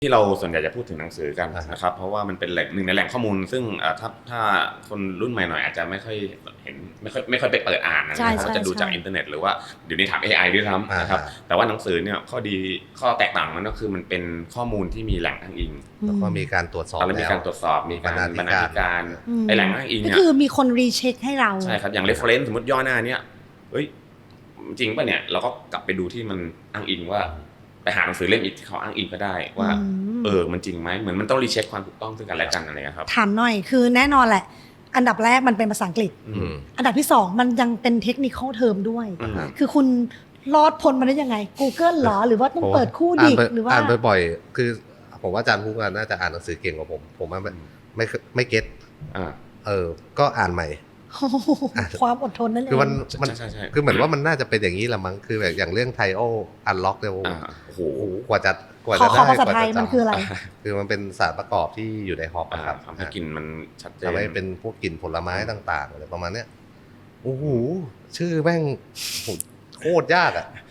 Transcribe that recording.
ที่เราส่วนใหญ่จะพูดถึงหนังสือกันนะครับเพราะว่ามันเป็นหนึ่งในแหล่งข้อมูลซึ่งถ้าคนรุ่นใหม่หน่อยอาจจะไม่ค่อยเห็นไม่ค่อยไปเปิดอ่านนะครับก็จะดูจากอินเทอร์เน็ตหรือว่าเดี๋ยวนี้ถาม AI ด้วยซ้ำนะครับแต่ว่าหนังสือเนี่ยข้อแตกต่างมันก็คือมันเป็นข้อมูลที่มีแหล่งอ้างอิงแล้วก็มีการตรวจสอบแล้วมีการตรวจสอบมีการบรรณาธิการไอแหล่งอ้างอิงเนี่ยก็คือมีคนรีเช็คให้เราใช่ครับอย่าง reference สมมติย่อหน้าเนี่ยเฮ้ยจริงป่ะเนี่ยเราก็กลับไปดูที่มันอ้างอิงว่าไปหาหนังสือเล่มอีกที่เขาอ้างอิงก็ได้ว่ามันจริงไหมเหมือนมันต้องรีเช็คความถูกต้องซึ่งกันและกันอะไรครับถามหน่อยคือแน่นอนแหละอันดับแรกมันเป็นภาษาอังกฤษอันดับที่2มันยังเป็นเทคนิคเทอมด้วยคือคุณรอดพ้นมาได้ยังไง Google หรอหรือว่าต้องเปิดคู่ดิหรือว่าอ่านบ่อยๆคือผมว่าอาจารย์พุกน่าจะอ่านหนังสือเก่งกว่าผมว่าไม่เก็ตก็อ่านใหม่ความอดทนนั่นเองคือมันคือเหมือนว่ามันน่าจะเป็นอย่างนี้ละมั้งคือแบบอย่างเรื่องไทโออันล็อกเนี่ยโอ้โหกว่าจะได้ภาษาไทยมันคืออะไรคือมันเป็นสารประกอบที่อยู่ในฮอปครับทำให้กลิ่นมันชัดเจนทำให้เป็นพวกกลิ่นผลไม้ต่างๆอะไรประมาณเนี้ยโอ้โหชื่อแม่งโคตรยากอ่ะ